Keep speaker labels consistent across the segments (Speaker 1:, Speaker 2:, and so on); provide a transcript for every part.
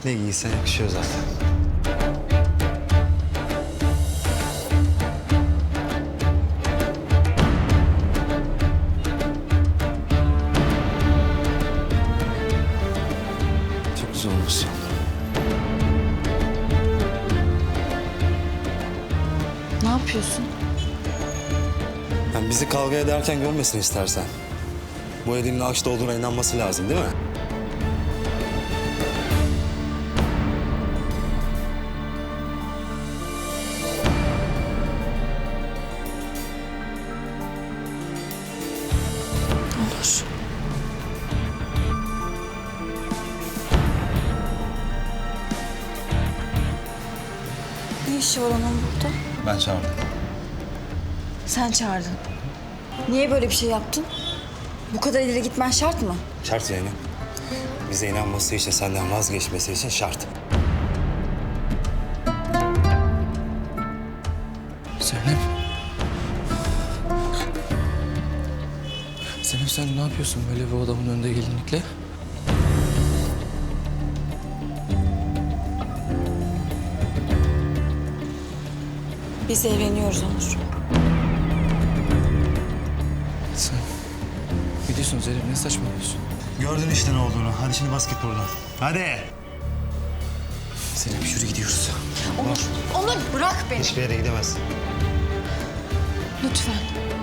Speaker 1: Ne giysen yakışıyor zaten. Çok güzel olmuşsun.
Speaker 2: Ne yapıyorsun?
Speaker 1: Yani bizi kavga ederken görmesin istersen. Bu elinin ağaçta olduğuna inanması lazım değil mi?
Speaker 2: Olur. Ne işi var onun burada?
Speaker 1: Ben çağırdım.
Speaker 2: Sen çağırdın. Niye böyle bir şey yaptın? Bu kadar ileri gitmen şart mı?
Speaker 1: Şart Zeynep. Bize inanması için, senden vazgeçmesi için şart.
Speaker 3: Zeynep. Zeynep sen ne yapıyorsun böyle bir adamın önünde gelinlikle?
Speaker 2: Biz evleniyoruz Onur.
Speaker 3: Sen biliyorsun Zeynep ne saçmalıyorsun?
Speaker 1: Gördün işte ne olduğunu. Hadi şimdi bas git buradan. Hadi.
Speaker 3: Zeynep yürü gidiyoruz.
Speaker 2: Onur bırak beni.
Speaker 1: Hiçbir yere gidemezsin.
Speaker 2: Lütfen.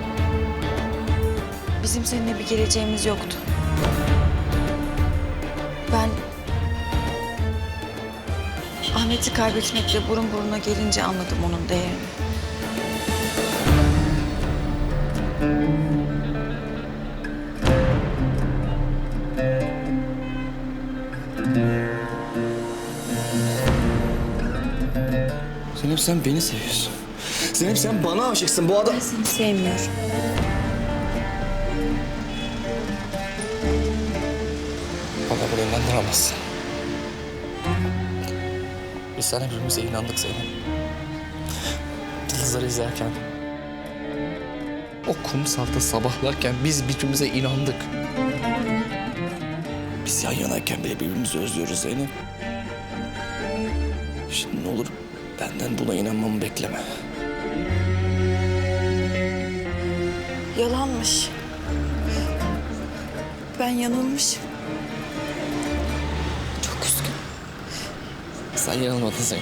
Speaker 2: Bizim seninle bir geleceğimiz yoktu. Ben Ahmet'i kaybetmekle burun buruna gelince anladım onun değerini.
Speaker 3: Zeynep sen beni seviyorsun. Zeynep sen bana aşıksın bu adam.
Speaker 2: Ben seni sevmiyorum.
Speaker 3: Bana bunu inandıramazsın. Biz sana birbirimize inandık Zeynep. Yıldızları izlerken, o kumsalda sabahlarken biz birbirimize inandık. Biz yan yanayken bile birbirimizi özlüyoruz Zeynep. Şimdi ne olur benden buna inanmamı bekleme.
Speaker 2: Yalanmış. Ben yanılmışım. Çok üzgünüm.
Speaker 3: Sen yanılmadın Zeynep.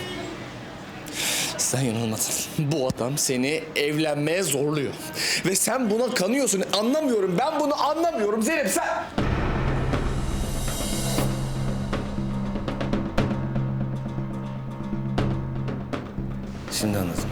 Speaker 3: Sen yanılmadın. Bu adam seni evlenmeye zorluyor. Ve sen buna kanıyorsun. Anlamıyorum. Ben bunu anlamıyorum Zeynep sen... Şimdi anladım.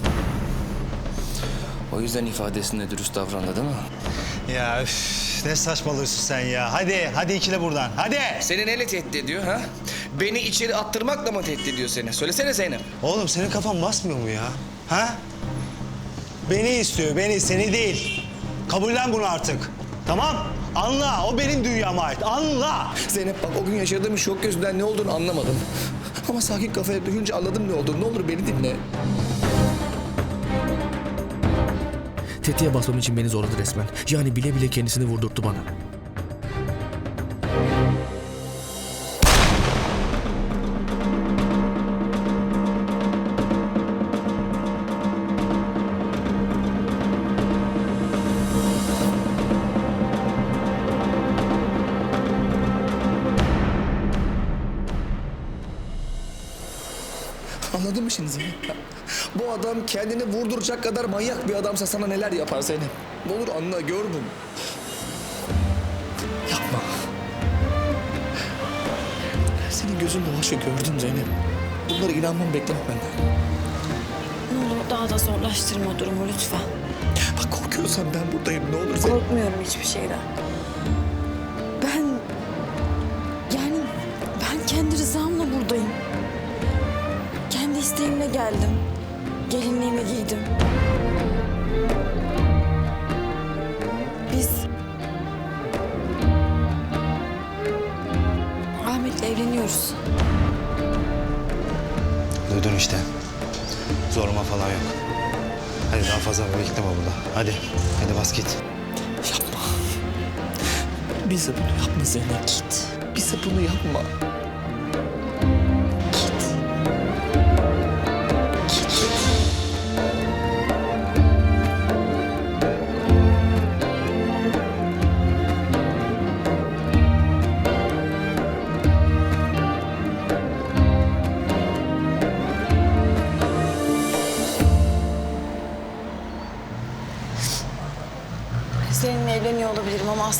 Speaker 3: O yüzden ifadesinde dürüst davrandı değil mi?
Speaker 1: Ya üf, ne saçmalıyorsun sen ya. Hadi ikile buradan. Hadi.
Speaker 3: Seni neyle tehdit ediyor ha? Beni içeri attırmakla mı tehdit ediyor seni? Söylesene Zeynep.
Speaker 1: Oğlum senin kafan basmıyor mu ya? Ha? Beni istiyor, beni, seni değil. Kabullen bunu artık. Tamam? Anla, o benim dünyama ait. Anla.
Speaker 3: Zeynep bak o gün yaşadığım şok gözünden ne olduğunu anlamadım. Ama sakin kafaya duyunca anladım ne olduğunu. Ne olur beni dinle.
Speaker 4: Tetiğe basmam için beni zorladı resmen. Yani bile bile kendisini vurdurttu bana.
Speaker 3: Anladın mı şimdi Zeynep? Bu adam kendini vurduracak kadar manyak bir adamsa sana neler yapar Zeynep? Ne olur anla, gör bunu. Yapma. Senin gözün dolaşa gördüm Zeynep. Bunlara inanmam bekleme benden.
Speaker 2: Ne olur daha da zorlaştırma durumu lütfen.
Speaker 3: Bak korkuyorsan ben buradayım. Ne olur Zeynep.
Speaker 2: Korkmuyorum hiçbir şeyden. Ben kendi rızamla buradayım. Kendi isteğimle geldim. Gelinliğimi giydim. Biz Ahmet'le evleniyoruz.
Speaker 1: Duydun işte. Zorlama falan yok. Hadi daha fazla bekleme burada. Hadi bas git.
Speaker 3: Yapma. Bize bunu yapma Zeynep. Git. Bize bunu yapma.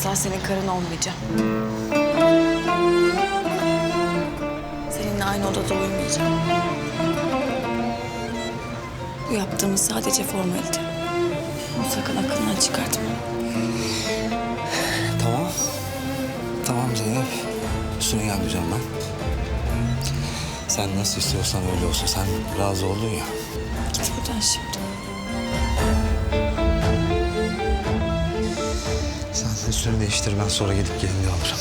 Speaker 2: asla senin karın olmayacağım. Seninle aynı odada uyumayacağım. Bu yaptığımız sadece formalite. Bunu sakın aklından çıkartma.
Speaker 5: Tamam. Tamam Zeynep. Üstüne gelmeyeceğim ben. Sen nasıl istiyorsan öyle olsun. Sen razı oldun ya.
Speaker 2: Git buradan şimdi.
Speaker 5: Sen üstünü değiştir. Ben sonra gidip gelinliği alırım.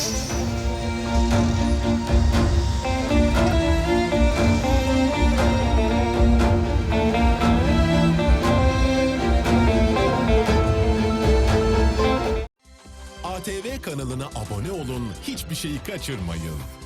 Speaker 6: ATV kanalına abone olun, hiçbir şeyi kaçırmayın.